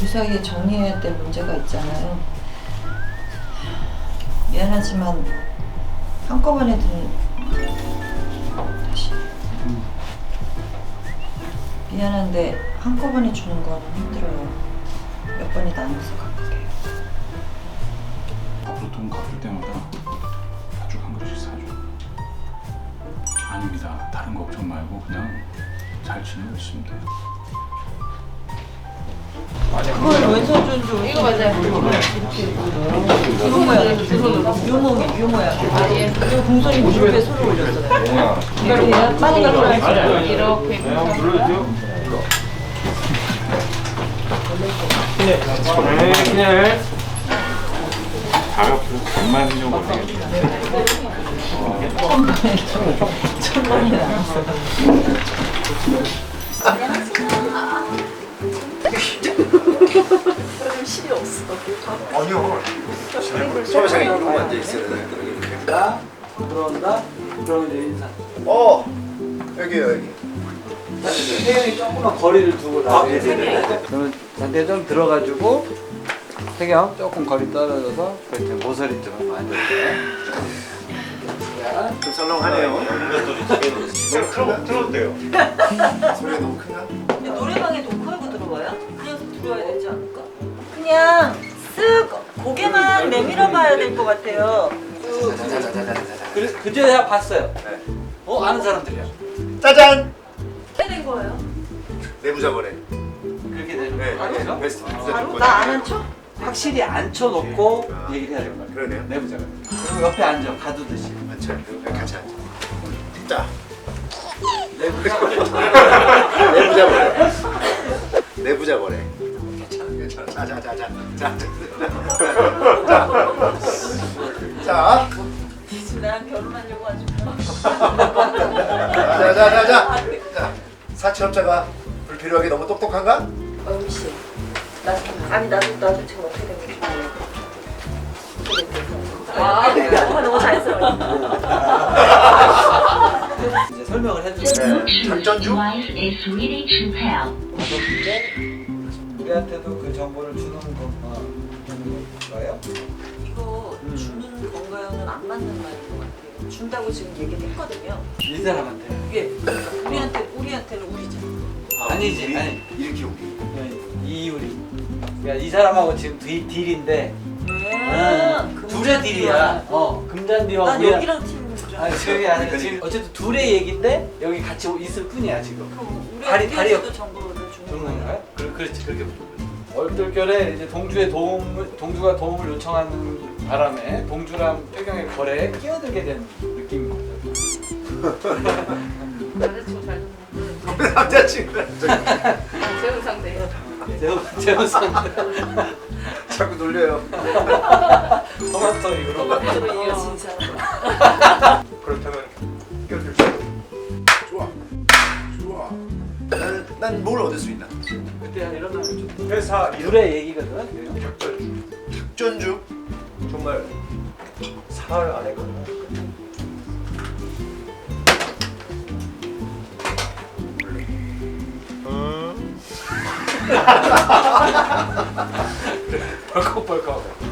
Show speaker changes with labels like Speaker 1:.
Speaker 1: 사이에 정리해야 될 문제가 있잖아요. 미안하지만 한꺼번에 다시 미안한데 한꺼번에 주는 건 힘들어요. 몇 번이 나눠서 갚을게요.
Speaker 2: 앞으로 돈 갚을 때마다 팥죽 한 그릇씩 사줘. 아닙니다. 다른 걱정 말고 그냥 잘 지내고 있으면 돼요.
Speaker 1: 그걸 왼손 좀
Speaker 3: 이거 맞아요.
Speaker 1: 유모야. 유모야. 아, 예. 그리고 공손이 무릎에 손을 올렸잖아요. 이렇게 빨리 가라.
Speaker 3: 이렇게.
Speaker 2: 그냥 가격표 100만 원 걸리겠네.
Speaker 1: 천만이 나왔어.
Speaker 4: 좀 실이 없어.
Speaker 5: 아니요. 소매상에 이러고 앉아 있어야 되니까 이렇게.
Speaker 6: 나 들어온다. 그러면 이제 인사.
Speaker 5: 여기요 여기.
Speaker 6: 태경이 조금만 거리를 두고 나와야 돼. 그러면 잔대 좀 들어가지고 태경 조금 거리 떨어져서 그렇게 모서리처럼 앉을게.
Speaker 5: 좀 썰렁하네요. 틀어도 돼요. 소리가 너무 큰가?
Speaker 1: 노래방에 녹화하고 들어와요? 그냥 들어와야 되지 않을까? 그냥 쓱 고개만 내밀어 봐야 될 것 같아요.
Speaker 5: 자자자자자자자.
Speaker 6: 그제 내가 봤어요.
Speaker 5: 네.
Speaker 6: 아는 사람들이야.
Speaker 5: 짜잔.
Speaker 1: 어떻게 된 거예요?
Speaker 5: 내부자 거래.
Speaker 6: 그렇게 되는
Speaker 5: 네.
Speaker 6: 거야.
Speaker 5: 베스트.
Speaker 1: 나 아는 척?
Speaker 6: 확실히 앉혀놓고 얘기를 해야 될 거야.
Speaker 5: 그러네요.
Speaker 6: 내부자가. 그리고 옆에 앉아 가두듯이.
Speaker 5: 앉혀. 같이 앉아. 자.
Speaker 6: 내부자.
Speaker 5: 내부자 거래. 내부자 거래. 괜찮아. 자자자자. 자.
Speaker 1: 지금 나랑 결혼하려고 하지
Speaker 5: 자자자자. 자. 사채업자가 불필요하게 너무 똑똑한가?
Speaker 1: 어미 씨, 아니 나도 지금 어떻게 된 건지 몰라. 너무 자연스러워.
Speaker 6: 이제 설명을 해주세요.
Speaker 5: 작전주?
Speaker 6: 우리한테도 그 정보를 주는 건가요?
Speaker 1: 이거 주는 건가요는 안 맞는 말인 것 같아요. 준다고 지금 얘기를 했거든요.
Speaker 6: 이 사람한테.
Speaker 1: 이게 우리한테는 우리잖아.
Speaker 6: 아니지. 아니.
Speaker 5: 이렇게 우리.
Speaker 6: 이유리. 그러니까 이 사람하고 지금 딜인데 둘의 딜이야. 금잔디와
Speaker 1: 난
Speaker 6: 우리랑.
Speaker 1: 여기랑 팀인 줄
Speaker 6: 아니
Speaker 1: 알았어.
Speaker 6: 저기 아니 지금 어쨌든 둘의 얘긴데 여기 같이 있을 뿐이야 지금.
Speaker 1: 그럼
Speaker 6: 다리
Speaker 1: 정보를 주는
Speaker 6: 주는
Speaker 1: 거예요?
Speaker 6: 건가요? 그렇지 그렇게 보는 거지. 얼떨결에 이제 동주가 도움을 요청하는 바람에 동주랑 태경의 거래에 끼어들게 된 느낌인 거죠.
Speaker 3: 남자친구 잘 듣는.
Speaker 5: 남자친구야.
Speaker 3: 재혼 상대.
Speaker 6: 재훈선
Speaker 5: 자꾸 놀려요.
Speaker 6: 토마토 이후로.
Speaker 1: 토마토로 이어진 사람.
Speaker 5: 그렇다면 껴줄 수 있어. 좋아. 난 뭘 얻을 수 있나?
Speaker 6: 그때 한 이런 날이 좀
Speaker 5: 회사
Speaker 6: 둘의 얘기거든.
Speaker 5: 작전주 정말 사흘 안에 거나
Speaker 6: 벌컥벌컥.